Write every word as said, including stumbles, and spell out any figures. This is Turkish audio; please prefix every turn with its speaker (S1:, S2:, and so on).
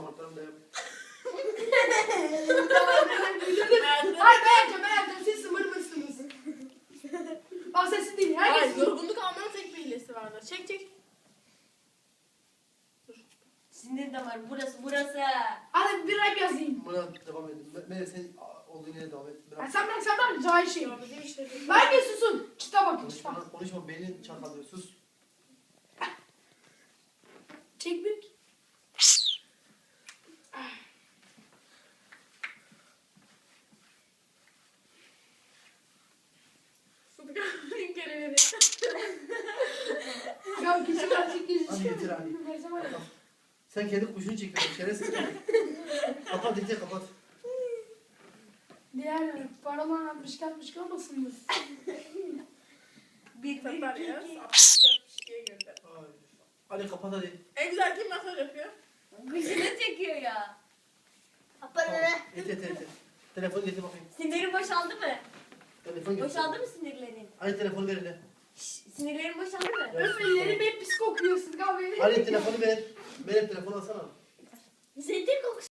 S1: damarlarım da yok.
S2: Hayır ben yapacağım ben yapacağım. Siz sımır mısınız? Bak sesin değil.
S3: Hayır,
S2: Herkes
S3: yorgunluk almanın tek bir hilesi vardır. Çek çek. Dur.
S4: Sinir damarı burası burası.
S2: Hadi bir rap yazayım.
S1: Buna devam edin. Meğer sen olduğun yere devam et.
S2: Ya
S1: Bırak.
S2: sen bırak sen bırak cahil şey.
S3: Ya bizim işte.
S2: Herkes susun. Kitap bakın kitap.
S1: Konuşma, konuşma beynin çatalıyor. Sus.
S2: Çek bir.
S3: Sıdıkanın kereleri.
S2: Ya kişi birazcık gözü
S1: Hadi
S2: çıkıyor.
S1: getir hadi.
S2: Versem var ya.
S1: Sen kendi kuşunu çekiyorsun. Şerefsiz. Kapat iyice kapat.
S2: Diğer paralar altmış altmış kalmasın mı?
S4: Bir bir
S3: Tatar
S4: iki
S3: ya.
S4: iki.
S3: altmış altmış diye gönder.
S1: Ay. Hadi kapat hadi.
S3: En güzel kim masaj yapıyor?
S4: Kuşunu çekiyor ya.
S1: Tamam. Et et et. et. Telefonu getir bakayım.
S4: Sinirin boşaldı mı?
S1: Telefon getir.
S4: Boşaldı mı sinirlerin?
S1: Hadi telefonu ver hele.
S4: Şşş, sinirlerin boşaldı mı?
S1: Evet.
S2: Öf ellerim hep pis kokuyor Sıdık abi.
S1: Hadi telefonu ver. Benim telefonu alsana.
S4: Zeytin kokusu.